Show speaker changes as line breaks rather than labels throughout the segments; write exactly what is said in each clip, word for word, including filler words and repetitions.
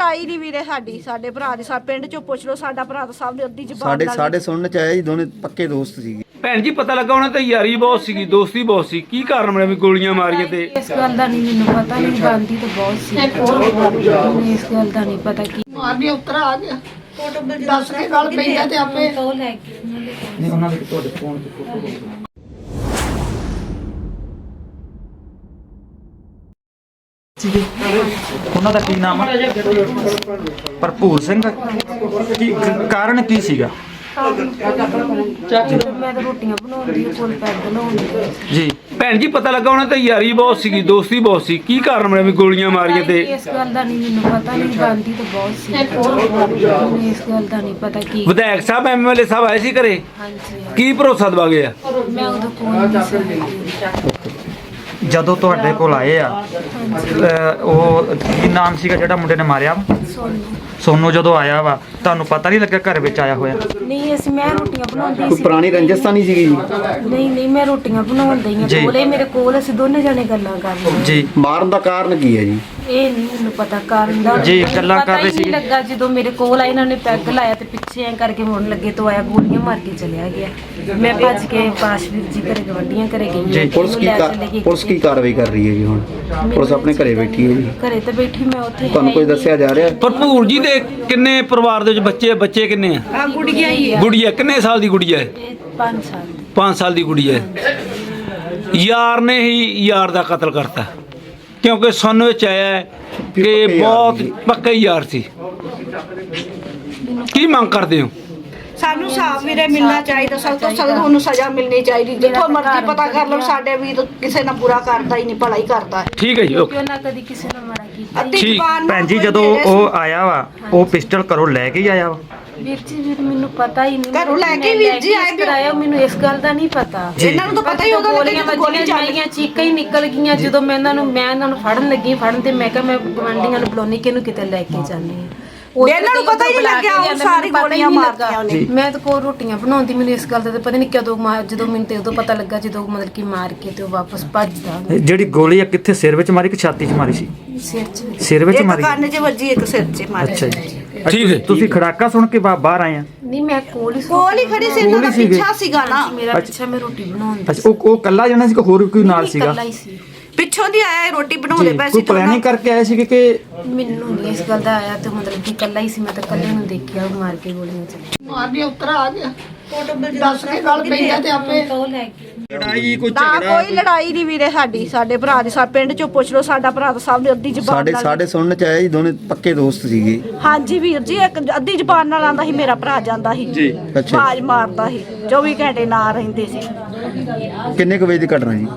ਲੜਾਈ ਨਹੀਂ ਵੀਰੇ ਸਾਡੀ ਸਾਡੇ ਭਰਾ ਦੀ। ਸਾਡੇ ਪਿੰਡ ਚੋਂ ਪੁੱਛ ਲਓ, ਸਾਡਾ ਭਰਾ ਤਾਂ ਸਭ ਨੇ ਅੱਧੀ ਜ਼ਬਾਨ
ਸਾਡੇ ਸਾਡੇ ਸੁਣਨ ਚ ਆਇਆ ਜੀ ਦੋਨੇ ਪੱਕੇ ਦੋਸਤ ਸੀਗੇ।
ਭੈਣ ਜੀ ਪਤਾ ਲੱਗਾ ਉਹਨਾਂ ਤੇ ਯਾਰੀ ਬਹੁਤ ਸੀਗੀ, ਦੋਸਤੀ ਬਹੁਤ ਸੀ। ਕੀ ਕਾਰਨ ਬਣਿਆ ਵੀ ਗੋਲੀਆਂ ਮਾਰੀਆਂ? ਤੇ
ਇਸ ਗੱਲ ਦਾ ਨਹੀਂ ਮੈਨੂੰ ਪਤਾ, ਨਹੀਂ ਬੰਦੀ ਤਾਂ ਬਹੁਤ ਸੀ। ਮੈਨੂੰ ਇਸ ਗੱਲ ਦਾ ਨਹੀਂ ਪਤਾ ਕੀ
ਮਾਰਨੀ ਉਤਰਾ ਆ ਗਿਆ ਦੱਸ ਕੇ ਗੱਲ ਪਈ ਆ ਤੇ ਆਪੇ
ਉਹ ਲੈ ਕੇ
ਨਹੀਂ ਉਹਨਾਂ ਦੇ ਤੁਹਾਡੇ ਫੋਨ ਤੇ ਫੋਟੋ
ਉਹਨਾਂ ਦਾ ਕੀ ਨਾਮ ਹੈ? ਭਰਪੂਰ ਸਿੰਘ। ਕੀ ਕਾਰਨ ਕੀ ਸੀਗਾ
ਮੈਂ ਤਾਂ ਰੋਟੀਆਂ ਬਣਾਉਂਦੀ ਹਾਂ, ਕੋਲ ਪੈਗ ਲਾਉਂਦੀ
ਜੀ?
ਭੈਣ ਜੀ ਪਤਾ ਲੱਗਾ ਉਹਨਾਂ ਤੇ ਯਾਰੀ ਬਹੁਤ ਸੀਗੀ, ਦੋਸਤੀ ਬਹੁਤ ਸੀ। ਕੀ ਕਾਰਨ ਬਣਿਆ ਵੀ ਗੋਲੀਆਂ ਮਾਰੀਆਂ? ਤੇ
ਇਸ ਗੱਲ ਦਾ ਨਹੀਂ ਮੈਨੂੰ ਪਤਾ, ਨਹੀਂ ਬੰਦੀ ਤਾਂ ਬਹੁਤ ਸੀ। ਮੈਨੂੰ ਇਸ ਗੱਲ ਦਾ ਨਹੀਂ ਪਤਾ ਕੀ।
ਵਿਧਾਇਕ ਸਾਹਿਬ ਐਮਐਲਏ ਸਾਹਿਬ ਆਏ ਸੀ ਘਰੇ,
ਹਾਂਜੀ
ਕੀ ਭਰੋਸਾ ਦਵਾ ਗਏ ਆ?
ਮੈਂ ਉਦੋਂ ਕੋਲ ਨਹੀਂ ਸੀ।
ਜਦੋਂ ਤੁਹਾਡੇ ਕੋਲ ਆਏ ਆ ਅਹ ਉਹ ਕੀ ਨਾਮ ਸੀਗਾ ਜਿਹੜਾ ਮੁੰਡੇ ਨੇ ਮਾਰਿਆ?
ਸੋਨੂੰ
ਸੋਨੂੰ ਜਦੋਂ ਆਇਆ ਵਾ ਤੁਹਾਨੂੰ ਪਤਾ ਨਹੀਂ ਲੱਗਿਆ ਘਰ ਵਿੱਚ ਆਇਆ ਹੋਇਆ?
ਨਹੀਂ ਅਸੀਂ ਮੈਂ ਰੋਟੀਆਂ ਬਣਾਉਂਦੀ
ਕੋਈ
ਸੀ।
ਪੁਰਾਣੀ ਰੰਜਿਸ਼ ਤਾਂ ਨਹੀਂ ਸੀਗੀ ਜੀ?
ਨਹੀਂ ਨਹੀਂ ਮੈਂ ਰੋਟੀਆਂ ਬਣਾਉਂਦੀ ਹਾਂ,
ਜੀ।
ਕੋਲੇ ਮੇਰੇ ਕੋਲ ਅਸੀਂ ਦੋਨੇ ਜਣੇ ਗੱਲਾਂ ਕਰ ਰਹੇ
ਜੀ
ਮਾਰਨ ਦਾ ਕਾਰਨ ਕੀ ਹੈ ਜੀ?
ਇਹ ਨਹੀਂ ਮੈਨੂੰ ਪਤਾ ਕਾਰਨ ਦਾ।
ਜੀ,
ਮੈਨੂੰ
ਗੱਲਾਂ
ਪਤਾ
ਕਰ ਰਹੇ
ਹੀ ਨਹੀਂ
ਸੀ।
ਲੱਗਾ ਜਦੋਂ ਮੇਰੇ ਕੋਲ ਆਏ, ਇਹਨਾਂ ਨੇ ਪੈਗ ਲਾਇਆ ਤੇ ਪਿੱਛੇ ਐ ਕਰਕੇ ਮੁੜਨ ਲੱਗੇ ਤੋਂ ਆਇਆ, ਗੋਲੀਆਂ ਮਾਰ ਕੇ ਚਲਿਆ ਗਿਆ। ਮੈਂ ਭੱਜ ਕੇ ਪਾਸ਼ਵੀਰ ਜੀ ਘਰੇ ਗਵੰਡੀਆਂ ਘਰੇ ਗਈ।
ਜੀ,
ਪੁਲਿਸ ਕੀ ਕਾ- ਪੁਲਿਸ ਕੀ ਕਾਰਵਾਈ ਕਰ ਰਹੀ ਹੈ ਜੀ ਹੁਣ? ਪੁਲਿਸ ਆਪਣੇ ਘਰੇ ਬੈਠੀ ਹੈ ਜੀ।
ਘਰੇ ਤੇ ਬੈਠੀ ਮੈਂ ਉੱਥੇ
ਤੁਹਾਨੂੰ ਕੋਈ ਦੱਸਿਆ ਜਾ ਰਿਹਾ?
ਭਰਪੂਰ ਜੀ ਦੇ ਕਿੰਨੇ ਪਰਿਵਾਰ ਦੇ ਵਿੱਚ ਬੱਚੇ ਬੱਚੇ ਕਿੰਨੇ ਆ?
ਆ ਗੁੜੀਆ ਹੀ ਆ।
ਗੁੜੀਆ ਕਿੰਨੇ ਸਾਲ ਦੀ ਗੁੜੀਆ ਹੈ?
ਇਹ ਪੰਜ ਸਾਲ ਦੀ।
ਪੰਜ ਸਾਲ ਦੀ ਗੁੜੀਆ ਹੈ। ਯਾਰ ਨੇ ਹੀ ਯਾਰ ਦਾ ਕਤਲ ਕਰਤਾ, ਕਿਉਂਕਿ ਸੁਣਨ ਵਿੱਚ ਆਇਆ ਹੈ ਕਿ
ਪੱਕੇ ਯਾਰ
ਬਹੁਤ
ਸੀ।
ਪੱਕੇ ਯਾਰ ਸੀ। ਕੀ ਮੰਗ ਕਰਦੇ ਹੋ?
ਸਾਨੂੰ ਸਾਫ ਵੀਰੇ ਮਿਲਣਾ ਚਾਹੀਦਾ, ਸਭ ਤੋਂ ਸਖਤ ਉਹਨੂੰ ਸਜ਼ਾ ਮਿਲਣੀ ਚਾਹੀਦੀ। ਜਿੱਥੋਂ ਮਰਜ਼ੀ ਪਤਾ ਕਰ ਲਓ, ਸਾਡੇ ਵੀਰ ਕਿਸੇ ਨਾਲ ਬੁਰਾ ਕਰਦਾ ਹੀ ਨਹੀਂ, ਭਲਾ ਹੀ ਕਰਦਾ।
ਠੀਕ ਹੈ ਜੀ, ਓਕੇ।
ਕਿਉਂ ਨਾ ਕਦੀ ਕਿਸੇ ਨਾਲ ਮਾੜਾ ਕੀਤਾ।
ਅੱਧੀ
ਠੀਕ।
ਜ਼ਬਾਨ ਨਾਲ
ਭੈਣ ਜੀ
ਕੋਈ
ਜਦੋਂ
ਮੇਰੇ
ਉਹ ਆਇਆ ਵਾ ਉਹ ਪਿਸਟਲ ਘਰੋਂ ਲੈ ਕੇ ਹੀ ਆਇਆ ਵਾ?
ਵੀਰ ਜੀ ਵੀਰ ਮੈਨੂੰ ਪਤਾ ਹੀ ਨਹੀਂ।
ਘਰੋਂ ਲੈ ਕੇ ਵੀਰ ਜੀ ਆਏ
ਕਰਾਇਆ, ਮੈਨੂੰ ਇਸ ਗੱਲ ਦਾ ਨਹੀਂ ਪਤਾ।
ਇਹਨਾਂ ਨੂੰ ਤਾਂ ਪਤਾ ਹੀ ਉਹਦਾ
ਗੋਲੀਆਂ ਵੱਜੀਆਂ, ਜਾਈਆਂ ਚੀਕਾਂ ਹੀ ਨਿਕਲ ਗਈਆਂ। ਜਦੋਂ ਮੈਂ ਇਹਨਾਂ ਨੂੰ ਮੈਂ ਇਹਨਾਂ ਨੂੰ ਫੜਨ ਲੱਗੀ ਫੜਨ ਤੇ ਮੈਂ ਕਿਹਾ ਮੈਂ ਗਵਾਂਢੀਆਂ ਨੂੰ ਬੁਲਾਉਣੀ ਕਿਹਨੂੰ ਕਿਤੇ ਲੈ ਕੇ ਜਾਂਦੀ ਹਾਂ।
ਇਹਨਾਂ ਨੂੰ ਪਤਾ ਹੀ ਨਹੀਂ ਲੱਗਿਆ ਉਹ ਸਾਰੀ ਗੋਲੀਆਂ ਮਾਰਤੀਆਂ ਉਹਨੇ।
ਮੈਂ ਤਾਂ ਕੋਲ ਰੋਟੀਆਂ ਬਣਾਉਂਦੀ, ਮੈਨੂੰ ਇਸ ਗੱਲ ਦਾ ਤਾਂ ਪਤਾ ਨਹੀਂ ਕਦੋਂ ਮਾਰ, ਜਦੋਂ ਮੈਨੂੰ ਤੇ ਉਦੋਂ ਪਤਾ ਲੱਗਾ ਜਦੋਂ ਮਤਲਬ ਕਿ ਮਾਰ ਕੇ ਤੇ ਉਹ ਵਾਪਸ ਭੱਜਦਾ।
ਜਿਹੜੀ ਗੋਲੀ ਆ ਕਿੱਥੇ ਸਿਰ ਵਿੱਚ ਮਾਰੀ ਕਿ ਛਾਤੀ 'ਚ ਮਾਰੀ ਸੀ?
ਸਿਰ 'ਚ।
ਸਿਰ ਵਿੱਚ
ਇੱਕ
ਮਾਰੀ?
ਕੰਨ 'ਚ ਵੱਜੀ, ਇੱਕ ਸਿਰ 'ਚ ਮਾਰੀ।
ਅੱਛਾ ਜੀ।
ਠੀਕ ਹੈ।
ਤੁਸੀਂ ਖੜਾਕਾ ਸੁਣ ਕੇ ਬਾ- ਬਾਹਰ ਆਏ ਆ?
ਨਹੀਂ ਮੈਂ ਕੋਲ ਹੀ
ਕੋਲ ਹੀ ਖੜੀ ਸੀ, ਇਹਨਾਂ ਦਾ ਪਿੱਛਾ ਸੀਗਾ ਨਾ।
ਮੇਰਾ ਪਿੱਛਾ ਮੈਂ ਰੋਟੀ ਬਣਾਉਂਦੀ
ਅੱਛਾ ਉਹ ਉਹ ਕੱਲਾ ਜਾਣਾ ਸੀ ਕਿ ਹੋਰ ਕੋਈ ਨਾਲ ਸੀਗਾ?
ਇਕੱਲਾ ਹੀ ਸੀ।
ਪਿੱਛੋਂ ਦੀ ਆਇਆ ਰੋਟੀ ਬਣਾਉਂਦੇ
ਜੀ,
ਪਏ
ਕੋਈ
ਸੀ।
ਪਲੈਨਿੰਗ ਕਰਕੇ ਆਏ ਸੀ ਕਿ
ਮੈਨੂੰ ਨਹੀਂ ਇਸ ਗੱਲ ਦਾ ਆਇਆ ਤੇ ਮਤਲਬ ਕਿ ਇਕੱਲਾ ਹੀ ਸੀ। ਮੈਂ ਤਾਂ ਇਕੱਲੇ ਨੂੰ ਦੇਖਿਆ ਉਹ ਮਾਰ ਕੇ ਗੋਲੀਆਂ ਚਲਾ।
ਮਾਰਨੀ ਉਤਰਾ ਆ ਗਿਆ ਦੱਸ ਕੇ ਗੱਲ ਪਈ ਆ ਤੇ ਆਪੇ
ਉਹ ਲੈ ਕੇ
ਲੜਾਈ ਕੋਈ
ਨਾ ਕੋਈ ਲੜਾਈ ਨਹੀਂ ਵੀਰੇ ਸਾਡੀ ਸਾਡੇ ਭਰਾ ਦੀ। ਸਾਡੇ ਪਿੰਡ ਚੋਂ ਪੁੱਛ ਲਓ, ਸਾਡਾ ਭਰਾ ਤਾਂ ਸਭ ਨੇ ਅੱਧੀ ਜ਼ਬਾਨ
ਸਾਡੇ
ਨਾਲ।
ਸਾਡੇ ਸੁਣਨ ਚ ਆਇਆ ਜੀ ਦੋਨੇ ਪੱਕੇ ਦੋਸਤ ਸੀਗੇ।
ਹਾਂਜੀ ਵੀਰ ਜੀ, ਇੱਕ ਅੱਧੀ ਜ਼ਬਾਨ ਨਾਲ ਆਂਦਾ ਸੀ, ਮੇਰਾ ਭਰਾ ਜਾਂਦਾ ਸੀ ਜੀ,
ਅੱਛਾ।
ਆਵਾਜ਼ ਮਾਰਦਾ ਸੀ, ਚੌਵੀ ਘੰਟੇ ਨਾਲ ਰਹਿੰਦੇ ਸੀ।
ਕਿੰਨੇ ਕੁ ਵਜੇ ਦੀ ਘਟਨਾ ਜੀ?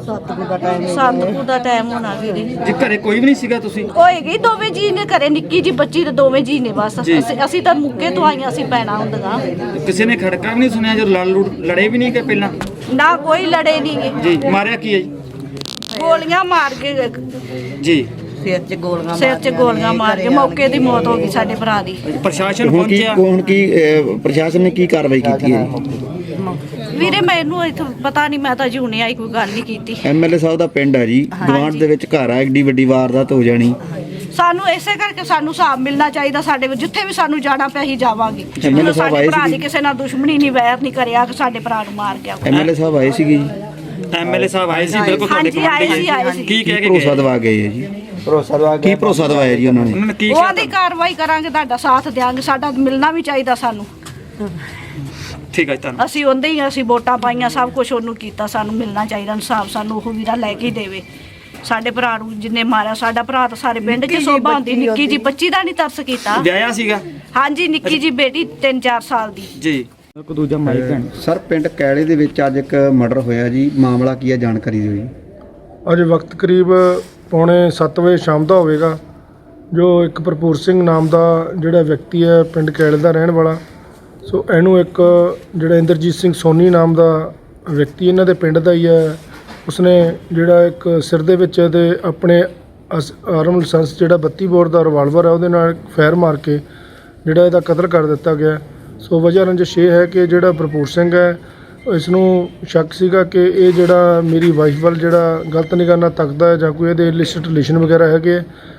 ਸੱਤ ਕੁ ਦਾ ਟਾਈਮ ਹੋਣਾ ਵੀਰੇ।
ਜੀ ਘਰੇ ਕੋਈ ਵੀ ਨਹੀਂ ਸੀਗਾ? ਤੁਸੀਂ
ਹੋਏਗੀ ਦੋਵੇਂ ਜੀ ਨੇ ਘਰੇ, ਨਿੱਕੀ ਜੀ ਬੱਚੀ ਤੇ ਦੋਵੇਂ ਜੀ ਨੇ ਬਸ।
ਜੀ।
ਅਸੀਂ ਅਸੀਂ ਤਾਂ ਮੁੱਕੇ ਤੋਂ ਆਈਆਂ ਸੀ ਪੈਣਾ ਹੁੰਦੀਆਂ।
ਕਿਸੇ ਨੇ ਖੜਕਾ ਵੀ ਨਹੀਂ ਸੁਣਿਆ ਜਦੋਂ ਲੜ ਲੁੜ ਲੜੇ ਵੀ ਨਹੀਂ ਕਿ ਪਹਿਲਾਂ?
ਨਾ ਕੋਈ ਲੜੇ ਨਹੀਂ
ਜੀ ਮਾਰਿਆ ਕੀ ਹੈ ਜੀ?
ਗੋਲੀਆਂ ਮਾਰ ਕੇ
ਜੀ
ਸਿਰ 'ਚ ਗੋਲੀਆਂ ਮਾਰ ਕੇ ਮੌਕੇ ਦੀ ਮੌਤ ਹੋ ਗਈ ਸਾਡੇ ਭਰਾ ਦੀ।
ਪ੍ਰਸ਼ਾਸਨ
ਹੁਣ ਕੀ
ਪਹੁੰਚਿਆ?
ਹੁਣ ਕੀ ਅਹ, ਪ੍ਰਸ਼ਾਸਨ ਨੇ ਕੀ ਕਾਰਵਾਈ ਕੀਤੀ ਹੈ ਜੀ?
ਵੀਰੇ ਮੈਨੂੰ ਇੱਥੋਂ ਪਤਾ ਨਹੀਂ, ਮੈਂ ਤਾਂ ਜੀ ਹੁਣੇ ਆਈ, ਕੋਈ ਗੱਲ ਨਹੀਂ ਕੀਤੀ।
ਐਮਐਲਏ ਸਾਹਿਬ ਦਾ ਪਿੰਡ ਆ ਜੀ, ਗਵਾਂਢ ਦੇ ਵਿੱਚ ਘਰ ਆ, ਐਡੀ ਵੱਡੀ ਵਾਰਦਾਤ ਹੋ ਜਾਣੀ।
ਸਾਨੂੰ ਇਸੇ ਕਰਕੇ ਸਾਨੂੰ ਹਿਸਾਬ ਮਿਲਣਾ ਚਾਹੀਦਾ। ਸਾਡੇ ਵਿੱਚ ਜਿੱਥੇ ਵੀ ਸਾਨੂੰ ਜਾਣਾ ਪਿਆ ਅਸੀਂ ਜਾਵਾਂਗੇ।
ਐਮਐਲਏ ਸਾਹਿਬ ਆਏ
ਭਰਾ ਦੀ
ਸੀ?
ਕਿਸੇ ਨਾਲ ਦੁਸ਼ਮਣੀ ਨਹੀਂ, ਵੈਰ ਨਹੀਂ ਕਰਿਆ ਕਿ ਸਾਡੇ ਭਰਾ ਨੂੰ ਮਾਰ ਗਿਆ।
ਐਮਐਲਏ ਸਾਹਿਬ ਆਏ ਸੀਗੇ ਜੀ?
ਐਮਐਲਏ ਸਾਹਿਬ ਆਏ ਸੀ ਬਿਲਕੁਲ ਤੁਹਾਡੇ
ਹਾਂਜੀ ਆਏ ਸੀ, ਆਏ ਸੀ।
ਕੀ
ਕੀ
ਕਹਿ ਕੇ
ਭਰੋਸਾ
ਗਏ?
ਦਵਾ ਗਏ ਹੈ ਜੀ? ਭਰੋਸਾ ਦਵਾ ਕੀ ਭਰੋਸਾ ਦਵਾਇਆ ਜੀ ਉਹਨਾਂ ਨੇ?
ਉਹਨਾਂ ਨੇ ਕੀ
ਉਹਨਾਂ ਦੀ ਕਾਰਵਾਈ ਕਰਾਂਗੇ, ਤੁਹਾਡਾ ਸਾਥ ਦਿਆਂਗੇ। ਸਾਡਾ ਮਿਲਣਾ ਵੀ ਚਾਹੀਦਾ ਸਾਨੂੰ।
ਠੀਕ ਹੈ ਜੀ, ਧੰਨਵਾਦ।
ਅਸੀਂ ਉਹਦੇ ਹੀ ਅਸੀਂ ਵੋਟਾਂ ਪਾਈਆਂ, ਸਭ ਕੁਝ ਉਹਨੂੰ ਕੀਤਾ। ਸਾਨੂੰ ਮਿਲਣਾ ਚਾਹੀਦਾ ਇਨਸਾਫ, ਸਾਨੂੰ ਉਹ ਵੀਰਾ ਲੈ ਕੇ ਹੀ ਦੇਵੇ। ਸਾਡੇ ਭਰਾ ਨੂੰ ਜਿੰਨੇ ਮਾਰਿਆ, ਸਾਡਾ ਭਰਾ ਤਾਂ ਸਾਰੇ ਪਿੰਡ 'ਚ ਸੋਭਾ ਹੁੰਦੀ। ਨਿੱਕੀ ਜੀ ਬੱਚੀ ਦਾ ਨਹੀਂ ਤਰਸ ਕੀਤਾ।
ਵਿਆਹਿਆ ਸੀਗਾ?
ਹਾਂਜੀ ਨਿੱਕੀ ਜੀ ਬੇਟੀ ਤਿੰਨ ਚਾਰ ਸਾਲ ਦੀ।
ਜੀ ਕੋ ਦੂਜਾ ਮਾਈਕ ਭੈਣ।
ਸਰ ਪਿੰਡ ਕੈਲੇ ਦੇ ਵਿੱਚ ਅੱਜ ਇੱਕ ਮਰਡਰ ਹੋਇਆ ਜੀ, ਮਾਮਲਾ ਕੀ ਹੈ ਜਾਣਕਾਰੀ ਦਿਓ ਜੀ।
ਅੱਜ ਵਕਤ ਕਰੀਬ ਪੌਣੇ ਸੱਤ ਵਜੇ ਸ਼ਾਮ ਦਾ ਹੋਵੇਗਾ, ਜੋ ਇੱਕ ਭਰਪੂਰ ਸਿੰਘ ਨਾਮ ਦਾ ਜਿਹੜਾ ਵਿਅਕਤੀ ਹੈ ਪਿੰਡ ਕੈਲੇ ਦਾ ਰਹਿਣ ਵਾਲਾ, ਸੋ ਇਹਨੂੰ ਇੱਕ ਜਿਹੜਾ ਇੰਦਰਜੀਤ ਸਿੰਘ ਸੋਨੀ ਨਾਮ ਦਾ ਵਿਅਕਤੀ ਇਹਨਾਂ ਦੇ ਪਿੰਡ ਦਾ ਹੀ ਹੈ, ਉਸਨੇ ਜਿਹੜਾ ਇੱਕ ਸਿਰ ਦੇ ਵਿੱਚ ਤੇ ਆਪਣੇ ਆਰਮ ਲਾਇਸੈਂਸ ਜਿਹੜਾ ਬੱਤੀ ਬੋਰ ਦਾ ਰਿਵਾਲਵਰ ਹੈ ਉਹਦੇ ਨਾਲ ਫਾਇਰ ਮਾਰ ਕੇ ਜਿਹੜਾ ਇਹਦਾ ਕਤਲ ਕਰ ਦਿੱਤਾ ਗਿਆ। ਸੋ ਵਜ੍ਹਾ ਰੰਜਿਸ਼ ਇਹ ਹੈ ਕਿ ਜਿਹੜਾ ਭਰਪੂਰ ਸਿੰਘ ਹੈ, ਇਸ ਨੂੰ ਸ਼ੱਕ ਸੀਗਾ ਕਿ ਇਹ ਜਿਹੜਾ ਮੇਰੀ ਵਾਈਫ ਵੱਲ ਜਿਹੜਾ ਗਲਤ ਨਿਗਾਹ ਨਾਲ ਤੱਕਦਾ ਹੈ ਜਾਂ ਕੋਈ ਇਹਦੇ ਇਲਿਸਿਟ ਰਿਲੇਸ਼ਨ ਵਗੈਰਾ ਹੈਗੇ,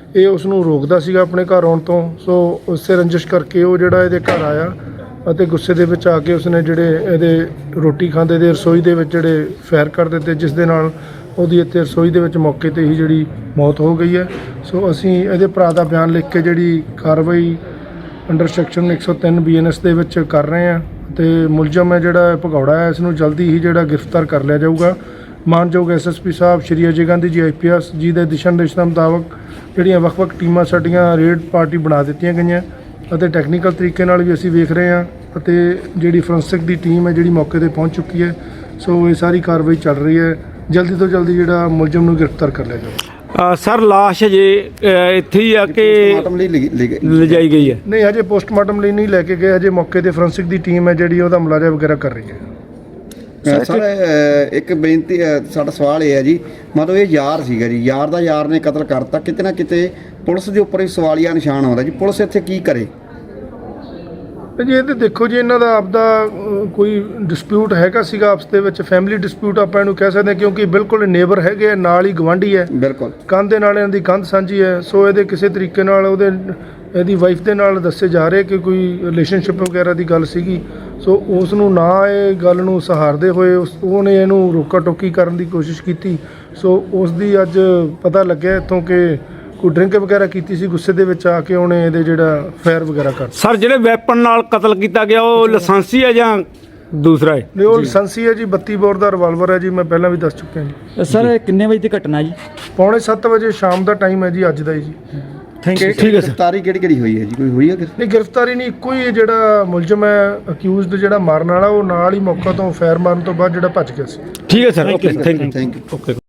ਇਹ ਉਸ ਨੂੰ ਰੋਕਦਾ ਸੀਗਾ ਆਪਣੇ ਘਰ ਆਉਣ ਤੋਂ। ਸੋ ਉਸੇ ਰੰਜਿਸ਼ ਕਰਕੇ ਉਹ ਜਿਹੜਾ ਇਹਦੇ ਘਰ ਆਇਆ ਅਤੇ ਗੁੱਸੇ ਦੇ ਵਿੱਚ ਆ ਕੇ ਉਸਨੇ ਜਿਹੜੇ ਇਹਦੇ ਰੋਟੀ ਖਾਂਦੇ ਦੇ ਰਸੋਈ ਦੇ ਵਿੱਚ ਜਿਹੜੇ ਫਾਇਰ ਕਰ ਦਿੱਤੇ, ਜਿਸ ਦੇ ਨਾਲ ਉਹਦੀ ਇੱਥੇ ਰਸੋਈ ਦੇ ਵਿੱਚ ਮੌਕੇ ਤੇ ਹੀ ਜਿਹੜੀ ਮੌਤ ਹੋ ਗਈ ਹੈ। ਸੋ ਅਸੀਂ ਇਹਦੇ ਭਰਾ ਦਾ ਬਿਆਨ ਲਿਖ ਕੇ ਜਿਹੜੀ ਕਾਰਵਾਈ ਅੰਡਰ ਸੈਕਸ਼ਨ ਇੱਕ ਸੌ ਤਿੰਨ ਬੀ ਐਨ ਐਸ ਦੇ ਵਿੱਚ ਕਰ ਰਹੇ ਹਾਂ ਅਤੇ ਮੁਲਜ਼ਮ ਹੈ ਜਿਹੜਾ ਭਗੌੜਾ ਹੈ, ਇਸ ਨੂੰ ਜਲਦੀ ਹੀ ਜਿਹੜਾ ਗ੍ਰਿਫਤਾਰ ਕਰ ਲਿਆ ਜਾਊਗਾ। ਮਾਨਯੋਗ ਐਸ ਐਸ ਪੀ ਸਾਹਿਬ Shri Ajay Gandhi ji I P S ਜੀ ਦੇ ਦਿਸ਼ਾ ਨਿਰਦੇਸ਼ਾਂ ਮੁਤਾਬਕ ਜਿਹੜੀਆਂ ਵੱਖ-ਵੱਖ ਟੀਮਾਂ ਸਾਡੀਆਂ ਰੇਡ ਪਾਰਟੀ ਬਣਾ ਦਿੱਤੀਆਂ ਗਈਆਂ ਅਤੇ ਟੈਕਨੀਕਲ ਤਰੀਕੇ ਨਾਲ ਵੀ ਅਸੀਂ ਵੇਖ ਰਹੇ ਹਾਂ ਅਤੇ ਜਿਹੜੀ ਫੋਰੈਂਸਿਕ ਦੀ ਟੀਮ ਹੈ ਜਿਹੜੀ ਮੌਕੇ ਤੇ ਪਹੁੰਚ ਚੁੱਕੀ ਹੈ। ਸੋ ਇਹ ਸਾਰੀ ਕਾਰਵਾਈ ਚੱਲ ਰਹੀ ਹੈ, ਜਲਦੀ ਤੋਂ ਜਲਦੀ ਜਿਹੜਾ ਮੁਲਜ਼ਮ ਨੂੰ ਗ੍ਰਿਫਤਾਰ ਕਰ ਲਿਆ ਜਾਊਗਾ।
ਸਰ ਲਾਸ਼ ਜੇ ਇੱਥੇ ਹੀ ਆ ਕਿ
ਪੋਸਟਮਾਰਟਮ ਲਈ ਲਿ- ਲਿ-
ਲਿਜਾਈ ਗਈ ਹੈ?
ਨਹੀਂ, ਹਜੇ ਪੋਸਟਮਾਰਟਮ ਲਈ ਨਹੀਂ ਲੈ ਕੇ ਗਏ, ਹਜੇ ਮੌਕੇ ਤੇ ਫੋਰੈਂਸਿਕ ਦੀ ਟੀਮ ਹੈ ਜਿਹੜੀ ਉਹਦਾ ਮੁਲਾਜ਼ਾ ਵਗੈਰਾ ਕਰ ਰਹੀ ਹੈ।
ਅ, ਸਰ ਅ, ਇੱਕ ਬੇਨਤੀ ਅ, ਸਾਡਾ ਸਵਾਲ ਇਹ ਹੈ ਜੀ, ਮਤਲਬ ਇਹ ਯਾਰ ਸੀਗਾ ਜੀ, ਯਾਰ ਦਾ ਯਾਰ ਨੇ ਕਤਲ ਕਰਤਾ, ਕਿਤੇ ਨਾ ਕਿਤੇ ਪੁਲਿਸ ਦੇ ਉੱਪਰ ਵੀ ਸਵਾਲੀਆ ਨਿਸ਼ਾਨ ਆਉਂਦਾ ਜੀ, ਪੁਲਿਸ ਇੱਥੇ ਕੀ ਕਰੇ?
ਤੇ ਜੀ ਇਹ ਤੇ ਦੇਖੋ ਜੀ, ਇਹਨਾਂ ਦਾ ਆਪਦਾ ਅ, ਕੋਈ ਡਿਸਪਿਊਟ ਹੈਗਾ ਸੀਗਾ ਆਪਸ ਦੇ ਵਿੱਚ, ਫੈਮਿਲੀ ਡਿਸਪਿਊਟ ਆਪਾਂ ਇਹਨੂੰ ਕਹਿ ਸਕਦੇ ਹਾਂ, ਕਿਉਂਕਿ ਬਿਲਕੁਲ ਨੇਬਰ ਹੈਗੇ ਆ, ਨਾਲ ਹੀ ਗਵਾਂਢੀ ਹੈ,
ਬਿਲਕੁਲ
ਕੰਧ ਦੇ ਨਾਲ ਇਹਨਾਂ ਦੀ ਕੰਧ ਸਾਂਝੀ ਹੈ। ਸੋ ਇਹਦੇ ਕਿਸੇ ਤਰੀਕੇ ਨਾਲ ਉਹਦੇ ਇਹਦੀ ਵਾਈਫ ਦੇ ਨਾਲ ਦੱਸੇ ਜਾ ਰਹੇ ਕਿ ਕੋਈ ਰਿਲੇਸ਼ਨਸ਼ਿਪ ਵਗੈਰਾ ਦੀ ਗੱਲ ਸੀਗੀ। ਸੋ ਉਸ ਨੂੰ ਨਾ ਇਹ ਗੱਲ ਨੂੰ ਸਹਾਰਦੇ ਹੋਏ ਉਸ ਉਹਨੇ ਇਹਨੂੰ ਰੋਕਾ ਟੋਕੀ ਕਰਨ ਦੀ ਕੋਸ਼ਿਸ਼ ਕੀਤੀ। ਸੋ ਉਸ ਦੀ ਅੱਜ ਪਤਾ ਲੱਗਿਆ ਇੱਥੋਂ ਕਿ ਕੋਈ ਡਰਿੰਕ ਵਗੈਰਾ ਕੀਤੀ ਸੀ, ਗੁੱਸੇ ਦੇ ਵਿੱਚ ਆ ਕੇ ਉਹਨੇ ਇਹਦੇ ਜਿਹੜਾ ਫਾਇਰ ਵਗੈਰਾ ਕਰ
ਸਰ ਜਿਹੜੇ ਵੈਪਨ ਨਾਲ ਕਤਲ ਕੀਤਾ ਗਿਆ ਉਹ ਲਾਇਸੈਂਸੀ ਹੈ ਜਾਂ ਦੂਸਰਾ ਹੈ?
ਨਹੀਂ, ਉਹ ਲਾਇਸੈਂਸੀ ਹੈ ਜੀ, ਬੱਤੀ ਬੋਰ ਦਾ ਰਿਵਾਲਵਰ ਹੈ ਜੀ, ਮੈਂ ਪਹਿਲਾਂ ਵੀ ਦੱਸ ਚੁੱਕਿਆ ਜੀ।
ਸਰ ਕਿੰਨੇ ਵਜੇ ਦੀ ਘਟਨਾ ਜੀ?
ਪੌਣੇ ਸੱਤ ਵਜੇ ਸ਼ਾਮ ਦਾ ਟਾਈਮ ਹੈ ਜੀ, ਅੱਜ ਦਾ ਹੀ ਜੀ।
Thank you.
ਠੀਕ ਹੈ ਸਰ।
ਗ੍ਰਿਫਤਾਰੀ ਕਿਹੜੀ ਕਿਹੜੀ ਹੋਈ ਹੈ ਜੀ, ਕੋਈ ਹੋਈ ਹੈ
ਨਹੀਂ, ਗ੍ਰਿਫਤਾਰੀ ਨਹੀਂ, ਇੱਕੋ ਹੀ ਜਿਹੜਾ ਮੁਲਜ਼ਮ ਹੈ ਅਕਿਊਜ਼ਡ ਜਿਹੜਾ ਮਾਰਨ ਵਾਲਾ, ਉਹ ਨਾਲ ਹੀ ਮੌਕਾ ਤੋਂ ਫਾਇਰ ਮਾਰਨ ਤੋਂ ਬਾਅਦ ਜਿਹੜਾ ਭੱਜ ਗਿਆ ਸੀ।
ਠੀਕ ਹੈ sir, okay thank you.
Thank you.
Okay.